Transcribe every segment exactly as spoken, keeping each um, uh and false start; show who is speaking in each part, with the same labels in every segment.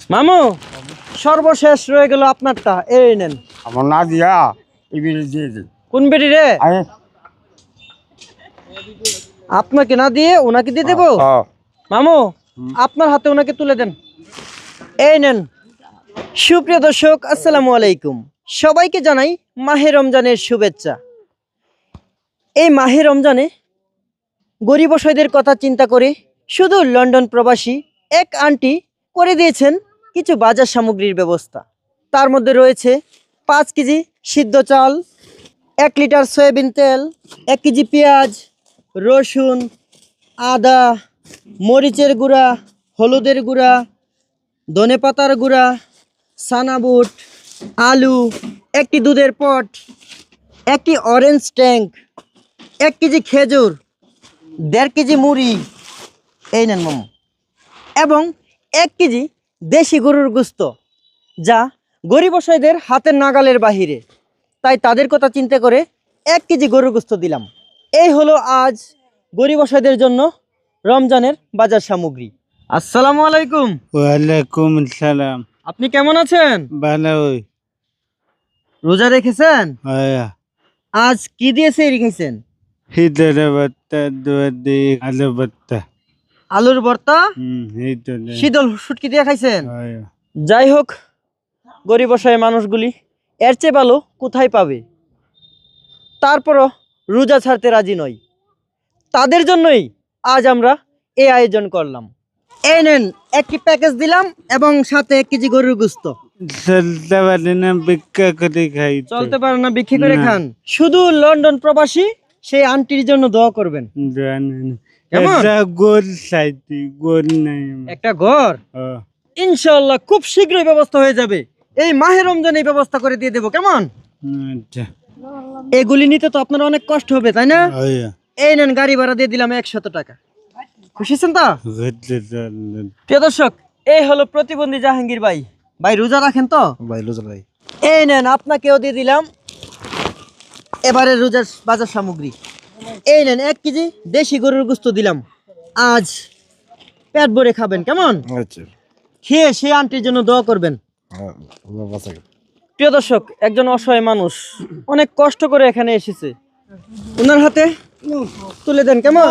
Speaker 1: মামু সর্বশেষ রয়ে গেল আপনারটা, এই নেন।
Speaker 2: আমার না দিয়া এই বিড়ি দিয়ে দিই।
Speaker 1: কোন বেটি রে?
Speaker 2: আরে
Speaker 1: আপনাকে না দিয়ে ওনাকে দিয়ে দেবো? মামু আপনার হাতে ওনাকে তুলে দেন, এই নেন। সুপ্রিয় দর্শক আসসালামু আলাইকুম, সবাইকে জানাই মাহে রমজানের শুভেচ্ছা। এই মাহে রমজানে গরিব অসহায়দের কথা চিন্তা করে শুধু লন্ডন প্রবাসী এক আন্টি করে দিয়েছেন কিছু বাজার সামগ্রীর ব্যবস্থা। তার মধ্যে রয়েছে পাঁচ কেজি সিদ্ধ চাল, এক লিটার সয়াবিন তেল, এক কেজি পেঁয়াজ, রসুন, আদা, মরিচের গুঁড়া, হলুদের গুঁড়া, ধনেপাতার গুঁড়া, সানাবুট, আলু, একটি দুধের পট, একটি অরেঞ্জ ট্যাঙ্ক, এক কেজি খেজুর, দেড় কেজি মুড়ি, এই নেন মামু, এবং এক কেজি দেশি গরুর গোস্ত, যা গরিব অসহায়দের হাতের নাগালের বাহিরে। তাই তাদের কথা চিন্তা করে এক কেজি গরুর গোস্ত দিলাম। এই হলো আজ গরিব অসহায়দের জন্য রমজানের বাজার সামগ্রী। আসসালামু আলাইকুম।
Speaker 3: ওয়ালাইকুম আসসালাম।
Speaker 1: আপনি কেমন আছেন?
Speaker 3: ভালো ওই
Speaker 1: রোজা রেখেছেন?
Speaker 3: আয়া
Speaker 1: আজ কি দিয়েছে রেখেছেন?
Speaker 3: হিদার ভর্তা, দুয়াদি আলু ভর্তা।
Speaker 1: আলুর ভর্তা,
Speaker 3: হুম এই তো নে।
Speaker 1: শীতল শুটকি দিয়ে খাইছেন?
Speaker 3: আয়া
Speaker 1: যাই হোক, গরিব অসহায় মানুষগুলি এর চেয়ে ভালো কোথায় পাবে? তারপরও রোজা ছাড়তে রাজি নয়, তাদের জন্যই আজ আমরা এই আয়োজন করলাম। এই নেন একটি প্যাকেজ দিলাম এবং সাথে এক কেজি গরুর গোস্ত।
Speaker 3: চলতে পারি না, ভিক্ষা করে খাই তো।
Speaker 1: চলতে পারে না, বিক্রি করে
Speaker 3: না।
Speaker 1: খান। শুধু লন্ডন প্রবাসী সেই আন্টির জন্য দোয়া করবেন।
Speaker 3: জানি না।
Speaker 1: কেমন?
Speaker 3: একটা গোল চাইছি, গোল নাই আমার।
Speaker 1: একটা ঘর
Speaker 3: ও,
Speaker 1: ইনশাআল্লাহ খুব শীঘ্রই ব্যবস্থা হয়ে যাবে। এই মাহে রমজানে এই ব্যবস্থা করে দিয়ে দেবো, কেমন?
Speaker 3: আচ্ছা
Speaker 1: এগুলি নিতে তো আপনার অনেক কষ্ট হবে, তাই না?
Speaker 3: আয়া
Speaker 1: এই নেন গাড়ি ভাড়া দিয়ে দিলাম একশত টাকা। খুশি আছেন তো?
Speaker 3: ঘুরতে চললেন।
Speaker 1: প্রিয় দর্শক, এই হলো প্রতিবন্ধী জাহাঙ্গীর ভাই। ভাই রোজা রাখেন তো?
Speaker 2: ভাই রোজা ভাই।
Speaker 1: এই নেন আপনাকেও দিয়ে দিলাম এবারে রোজার বাজার সামগ্রী। এই নেন এক কেজি দেশি গরুর গোস্ত দিলাম, আজ পেট ভরে খাবেন, কেমন?
Speaker 2: আচ্ছা
Speaker 1: খেয়ে সে আন্টির জন্য দোয়া করবেন। প্রিয় দর্শক, একজন অসহায় মানুষ অনেক কষ্ট করে এখানে এসেছে, ওনার হাতে তুলে দেন, কেমন?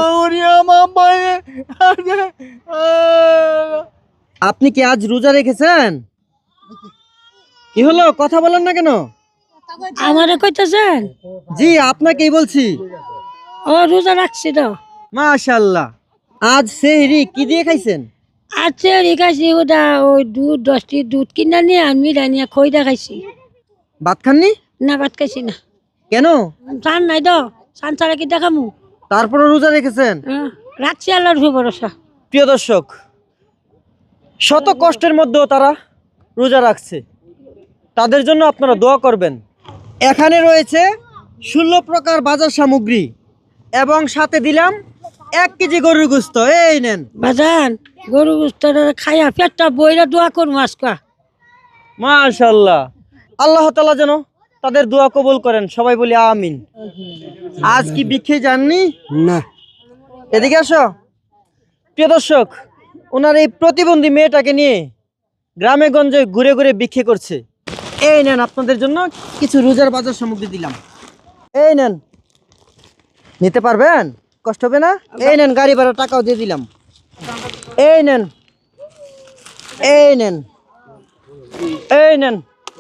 Speaker 1: আপনি কি আজ রোজা রেখেছেন? কি হলো, কথা বলেন না কেন?
Speaker 4: আমারে কইতেছেন?
Speaker 1: জি আপনাকেই বলছি।
Speaker 4: ও রোজা রাখছি তো।
Speaker 1: মাশাআল্লাহ, আজ সেহরি কি দিয়ে খাইছেন?
Speaker 4: আচ্ছা রেখাইছি ওটা ওই দুধ দশটি দুধ কিনা নিয়ে আমি রানিয়া খইটা খাইছি।
Speaker 1: ভাত খাননি?
Speaker 4: না ভাত খাইছি না।
Speaker 1: কেন?
Speaker 4: চান নাই তো, চান ছাড়া কি দেখামু?
Speaker 1: তারপরে রোজা রেখেছেন?
Speaker 4: হ্যাঁ, রাখছি আল্লাহর ভরসা।
Speaker 1: প্রিয় দর্শক, শত কষ্টের মধ্যেও তারা রোজা রাখছে, তাদের জন্য আপনারা দোয়া করবেন। এখানে রয়েছে ষোলো প্রকার বাজার সামগ্রী এবং সাথে দিলাম এক কেজি গরুর গোস্ত, এই নেন।
Speaker 4: বাজান গরু গুস্তটা খাইয়া পেটটা বইরা দোয়া করবো আজকা।
Speaker 1: মাশাআল্লাহ, আল্লাহ তাআলা যেন তাদের দোয়া কবুল করেন, সবাই বলি আমিন। আজ কি ভিক্ষে যাননি?
Speaker 3: না
Speaker 1: এদিকে আসো। প্রিয় দর্শক, ওনার এই প্রতিবন্ধী মেয়েটাকে নিয়ে গ্রামে গঞ্জে ঘুরে ঘুরে ভিক্ষে করছে। এই নেন আপনাদের জন্য কিছু রোজার বাজার সামগ্রী দিলাম, এই নেন, নিতে পারবেন? কষ্ট হবে না? এই নেন গাড়ি ভাড়া টাকাও দিয়ে দিলাম, এই নেন, এই নেন, এই নেন।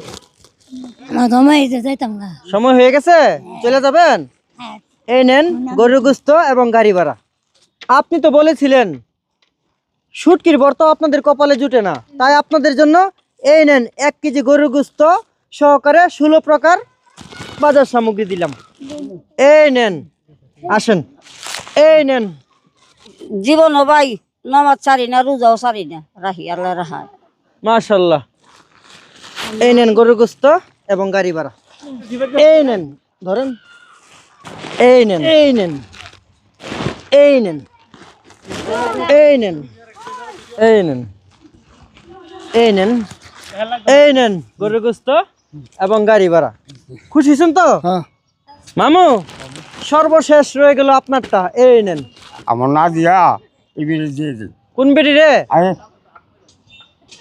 Speaker 1: সময় হয়ে গেছে, চলে যাবেন? এই নেন গরুর গোস্ত এবং গাড়ি ভাড়া। আপনি তো বলেছিলেন শুটকির ভর্তা আপনাদের কপালে জুটে না, তাই আপনাদের জন্য এই নেন এক কেজি গরুর গোস্ত সহকারে ষোলো প্রকার বাজার সামগ্রী দিলাম, এই নেন। আসেন, এই নেন।
Speaker 5: জীবন ভাই নামাজ ছাড়ি না, রোজাও ছাড়ি না, রাহি আল্লাহ রাহায়।
Speaker 1: মাশাআল্লাহ, এই নেন গরুর গোস্ত এবং গাড়ি ভাড়া, এই নেন, ধরেন, এই নেন, এই নেন, এই নেন, এই নেন, এই নেন, এই নেন, এই নেন গরুর গোস্ত এবং গাড়ি ভাড়া। খুশি হয়েছেন তো? মামু সর্বশেষ রয়ে গেল আপনারটা, এই নেন।
Speaker 2: আমার না দিয়া এই বিড়ি দিয়ে দিই।
Speaker 1: কোন বেটি রে?
Speaker 2: আরে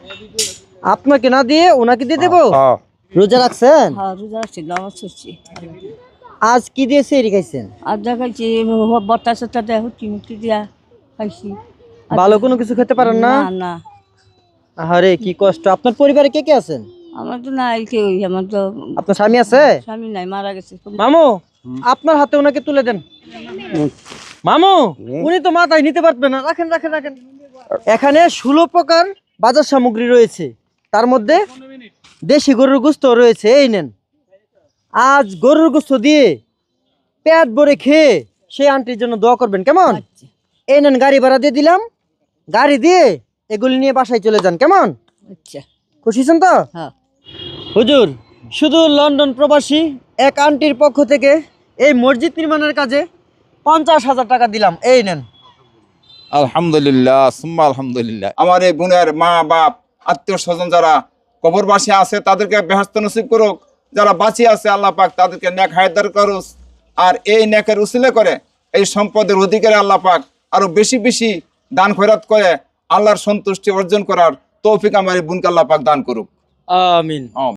Speaker 1: আপনাকে না দিয়ে ওনাকে দিয়ে দেবো।
Speaker 2: হ্যাঁ
Speaker 1: রোজা রাখছেন?
Speaker 5: হ্যাঁ রোজা রাখছি নামাজ পড়ছি
Speaker 1: আজ কি দিয়ে সেহরি খাইছেন?
Speaker 5: আর দেখাইছি বর্তা সত্তা দেয় হুটি মুটি দিয়া খাইছি
Speaker 1: ভালো কোনো কিছু খেতে পারেন না?
Speaker 5: না না
Speaker 1: আরে কি কষ্ট। আপনার পরিবারে কে কে আছেন?
Speaker 5: আমার তো নাই কেউ আমার তো
Speaker 1: আপনার স্বামী আছে?
Speaker 5: স্বামী নাই মারা গেছে
Speaker 1: মামু আপনার হাতে ওনাকে তুলে দেন। মামু উনি তো মাথায় নিতে পারবেন না, রাখেন রাখেন রাখেন। এখানে ষোলো প্রকার বাজার সামগ্রী রয়েছে, তার মধ্যে দেশি গরুর গোস্ত রয়েছে। এই নেন, আজ গরুর গোস্ত দিয়ে পেট ভরে খেয়ে সেই আন্টির জন্য দোয়া করবেন, কেমন? এই নেন, গাড়ি ভাড়া দিয়ে দিলাম, গাড়ি দিয়ে এগুলি নিয়ে বাসায় চলে যান, কেমন?
Speaker 5: আচ্ছা
Speaker 1: খুশি হয়েছেন তো?
Speaker 5: হ্যাঁ
Speaker 1: হুজুর, শুধু লন্ডন প্রবাসী এক আন্টির পক্ষ থেকে এই মসজিদ নির্মাণের কাজে পঞ্চাশ হাজার টাকা দিলাম। এই নেন।
Speaker 6: আলহামদুলিল্লাহ সুম্মা আলহামদুলিল্লাহ। আমার এই বোনের মা বাপ আত্মীয় স্বজন যারা কবরবাসী আছে তাদেরকে বেহেশত নসিব করুক, যারা বাঁচিয়ে আছে আল্লাহ পাক তাদেরকে নেক হায়াত করুক, আর এই নেকের উসিলে করে এই সম্পদের অধিকারে আল্লাহ পাক আরো বেশি বেশি দান খয়রাত করে আল্লাহর সন্তুষ্টি অর্জন করার তৌফিক আমার এই বোনকে আল্লাহ পাক দান করুক।
Speaker 1: আমিন।